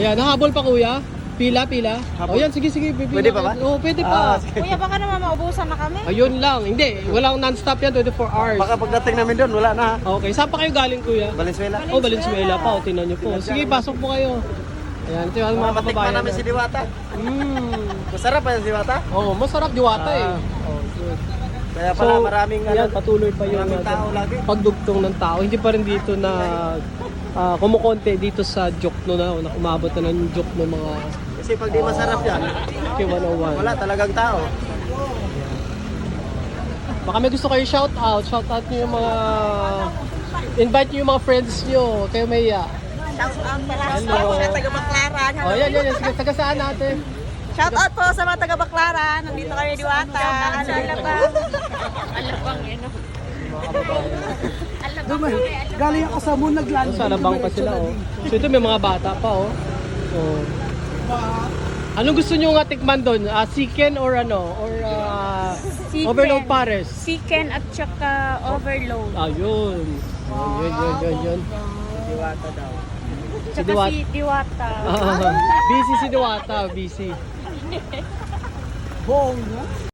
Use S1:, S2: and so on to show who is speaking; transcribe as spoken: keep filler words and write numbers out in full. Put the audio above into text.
S1: Ayan, nahabol pa kuya. Pila, pila. O yan, sige, sige. Pipila.
S2: Pwede pa ba?
S1: Oo, pwede
S2: Ah,
S1: pa.
S2: sige.
S3: Kuya, baka naman maubusan na kami.
S1: Ayun lang. Hindi, walang non-stop yan, twenty-four hours.
S2: Baka pagdating namin doon, wala na ha.
S1: Okay, saan pa kayo galing kuya?
S2: Valenzuela.
S1: Oh, Valenzuela pa. O, tinan nyo po. Sige, pasok po kayo. Ayan, ito yung mga
S2: Matikman
S1: kababayan.
S2: namin si Diwata.
S1: Mm.
S2: Masarap pa yung Diwata.
S1: Oh, masarap diwata eh.
S2: Ah.
S1: Oh, good.
S2: Kaya pala maraming
S1: yan,
S2: ano,
S1: patuloy pa yung
S2: maraming
S1: ano,
S2: tao lagi.
S1: pagdugtong ng tao. Hindi pa rin dito na ah, kumukonte dito sa Jokno na, na umabot na ng Jokno mga
S2: Kasi pag di masarap yan,
S1: K one oh one.
S2: wala talagang tao.
S1: Baka may gusto kayo shout out. Shout out niyo yung mga invite niyo yung mga friends niyo. Kayo Maya.
S3: Shout out pala
S1: Hello.
S3: sa mga taga-Baklaran.
S1: Oh, yan, yan, yan. Sige, taga saan natin?
S3: Shout out po sa mga taga-Baklaran. Nandito kami Diwata. Ano Alabang. Alabang yun.
S4: Dumay, galing ako sa moon, naglanding.
S1: Sa Alabang pa sila, oh. So ito may mga bata pa, oh. So, anong gusto niyo nga tikman doon? Uh, chicken or ano? Or uh,
S5: Chicken.
S1: overload pares?
S5: Chicken at saka overload.
S1: Ayun. Yun, yun, yun, yun.
S2: Diwata daw.
S1: Si
S5: Tsaka
S1: Diwata.
S5: si Diwata.
S1: busy si Diwata, busy.
S4: Bongga.